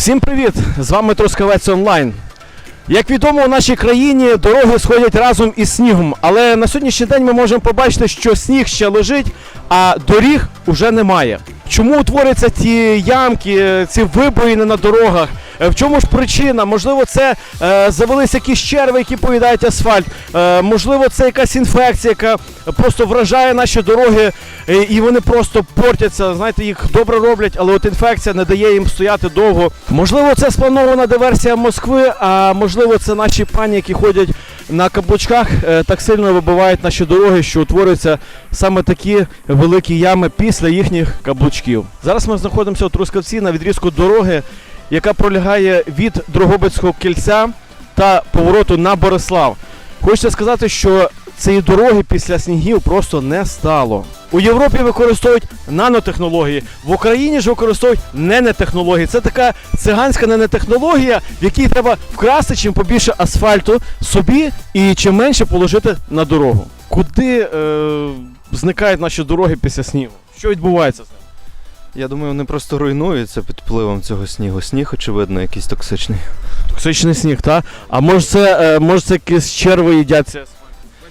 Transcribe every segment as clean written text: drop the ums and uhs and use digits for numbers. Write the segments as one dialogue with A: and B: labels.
A: Всім привіт! З вами Трускавець Онлайн. Як відомо, у нашій країні дороги сходять разом із снігом, але на сьогоднішній день ми можемо побачити, що сніг ще лежить, а доріг уже немає. Чому утворюються ці ямки, ці вибоїни на дорогах? В чому ж причина? Можливо, це завелися якісь черви, які поїдають асфальт. Можливо, це якась інфекція, яка просто вражає наші дороги, і вони просто портяться. Знаєте, їх добре роблять, але от інфекція не дає їм стояти довго. Можливо, це спланована диверсія Москви, а можливо, це наші пані, які ходять на каблучках, так сильно вибивають наші дороги, що утворюються саме такі великі ями після їхніх каблучків. Зараз ми знаходимося у Трускавці на відрізку дороги, яка пролягає від Дрогобицького кільця та повороту на Борислав. Хочеться сказати, що цієї дороги після снігів просто не стало. У Європі використовують нанотехнології, в Україні ж використовують ненетехнології. Це така циганська ненетехнологія, в якій треба вкрасти чим побільше асфальту собі і чим менше положити на дорогу. Куди зникають наші дороги після снігу? Що відбувається з ними?
B: Я думаю, вони просто руйнуються під впливом цього снігу. Сніг, очевидно, якийсь токсичний.
A: Токсичний сніг, так? А може це якісь черви їдять цей асфальт?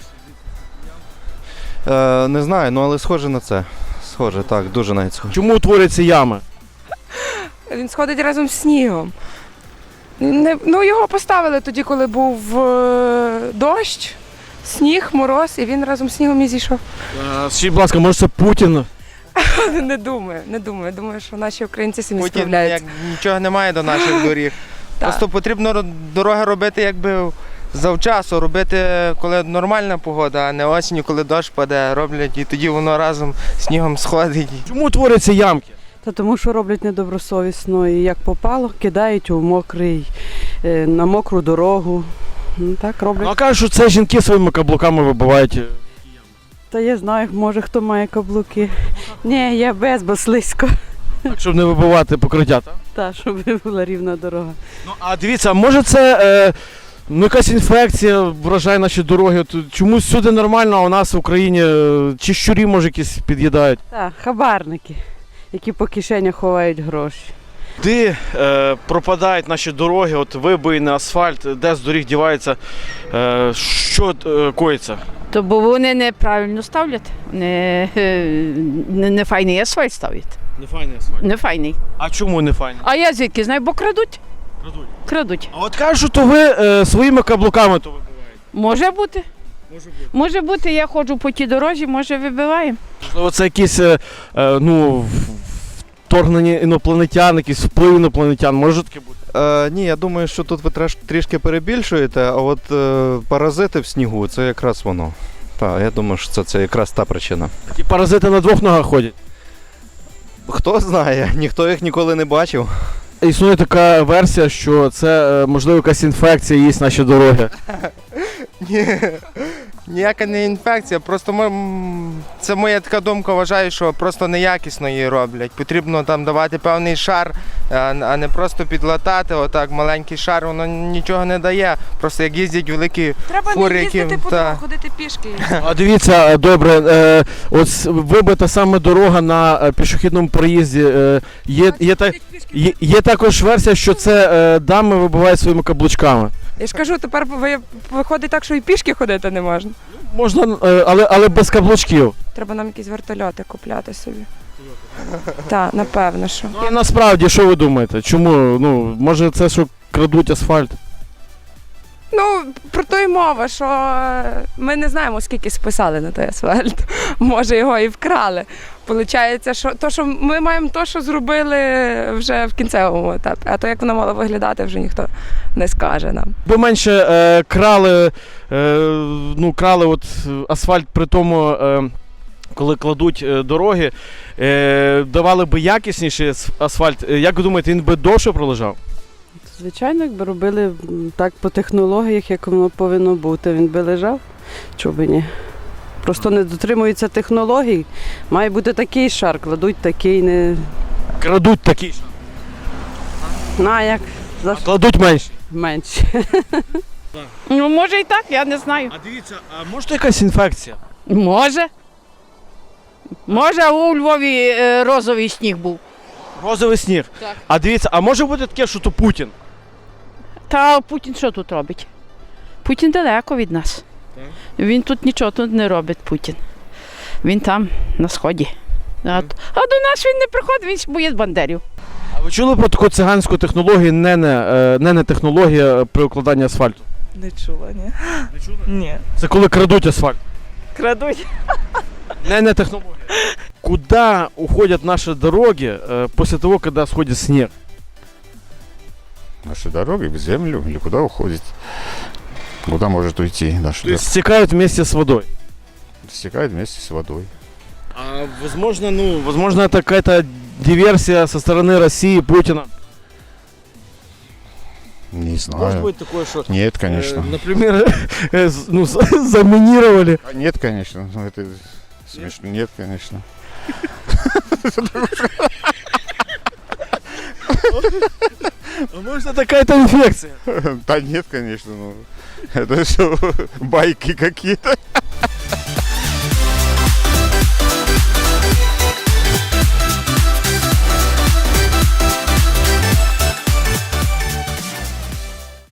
B: Не знаю, але схоже на це. Схоже, так, дуже навіть схоже.
A: Чому утворюються ями?
C: Він сходить разом з снігом. Його поставили тоді, коли був дощ, сніг, мороз, і він разом з снігом і зійшов.
A: Скажіть, будь ласка, може це Путін?
C: Не думаю. Думаю, що наші українці самі
D: Путін
C: справляються.
D: нічого немає до наших доріг. Просто потрібно дороги робити якби завчасно, робити, коли нормальна погода, а не осінню, коли дощ паде, роблять, і тоді воно разом з снігом сходить.
A: Чому утворюються ямки?
E: Тому що роблять недобросовісно і як попало, кидають на мокру дорогу. Так роблять.
A: А кажуть, що це жінки своїми каблуками вибивають.
E: Та я знаю, може хто має каблуки. Ні, я без, бо слизько.
A: Так, щоб не вибивати покриття, так?
E: Так, щоб була рівна дорога.
A: А дивіться, може це якась інфекція вражає наші дороги? От чомусь всюди нормально, а у нас в Україні чи щурі, може, якісь під'їдають?
E: Так, хабарники, які по кишенях ховають гроші.
A: Де пропадають наші дороги, от вибоїни, асфальт, де з доріг дівається, що коїться?
F: То бо вони неправильно ставлять, не файний асфальт ставлять.
A: Не файний асфальт.
F: Не файний.
A: А чому не файний?
F: А я звідки знаю, бо крадуть. Крадуть.
A: А от кажуть, то ви своїми каблуками то вибиваєте?
F: Може бути. Може бути, я ходжу по тій дорозі, може вибиваємо.
A: Можливо, це якісь вторгнення інопланетян, якийсь вплив інопланетян, може таке бути?
B: Ні, я думаю, що тут ви трішки перебільшуєте, а от паразити в снігу – це якраз воно. Так, я думаю, що це якраз та причина.
A: Такі паразити на двох ногах ходять.
B: Хто знає, ніхто їх ніколи не бачив.
A: Існує така версія, що це, можливо, якась інфекція їсть наші дороги.
D: Ні, ніяка не інфекція, просто це моя така думка, вважаю, що просто неякісно її роблять. Потрібно там давати певний шар, а не просто підлатати, отак маленький шар, воно нічого не дає. Просто як їздять великі
C: Треба
D: фури,
C: не їздити
D: які...
C: по дорогу, ходити пішки.
A: А дивіться, добре, ось вибита саме дорога на пішохідному проїзді. Є також версія, що це дами вибивають своїми каблучками.
C: Я ж кажу, тепер виходить так, що і пішки ходити не можна.
A: Можна, але без каблучків.
C: Треба нам якісь вертольоти купляти собі. Так, напевно, що.
A: Ну, а насправді, що ви думаєте? Чому? Може це, що крадуть асфальт?
C: Про то й мова, що ми не знаємо, скільки списали на той асфальт. Може, його і вкрали. Получається, що ми маємо те, що зробили вже в кінцевому етапі. А то, як воно мало виглядати, вже ніхто не скаже нам.
A: Бо менше крали от асфальт при тому, коли кладуть дороги, давали би якісніший асфальт. Як ви думаєте, він би довше пролежав?
E: Звичайно, якби робили так по технологіях, як воно повинно бути, він би лежав, чого би ні. Просто не дотримуються технологій. Має бути такий шар, кладуть такий, не...
A: Крадуть такий ж.
E: Як?
A: А кладуть менше.
E: Менше.
F: Ну, може і так, я не знаю.
A: А дивіться, а може якась інфекція?
F: Може. Може, а у Львові розовий сніг був.
A: Розовий сніг.
F: Так.
A: А дивіться, а може бути таке, що то Путін?
F: Та Путін що тут робить? Путін далеко від нас. Він тут нічого тут не робить, Путін. Він там, на сході. А до нас він не приходить, він боїть бандерів.
A: А ви чули про таку циганську технологію, не технологія при укладанні асфальту?
G: Не чула, ні.
A: Не чули?
G: Ні.
A: Це коли крадуть асфальт.
G: Крадуть.
A: Не технология. Куда уходят наши дороги после того, когда сходит снег?
H: Наши дороги в землю или куда уходит? Куда может уйти наша
A: То есть стекают вместе с водой.
H: Стекает вместе с водой.
A: А возможно, это какая-то диверсия со стороны России, Путина.
H: Не знаю.
A: Может быть такое, что,
H: Нет, конечно.
A: например, заминировали.
H: А нет, конечно. Ну, это смешно. Нет, конечно.
A: Может, это какая-то инфекция.
H: Да нет, конечно. Ну, это все байки какие-то.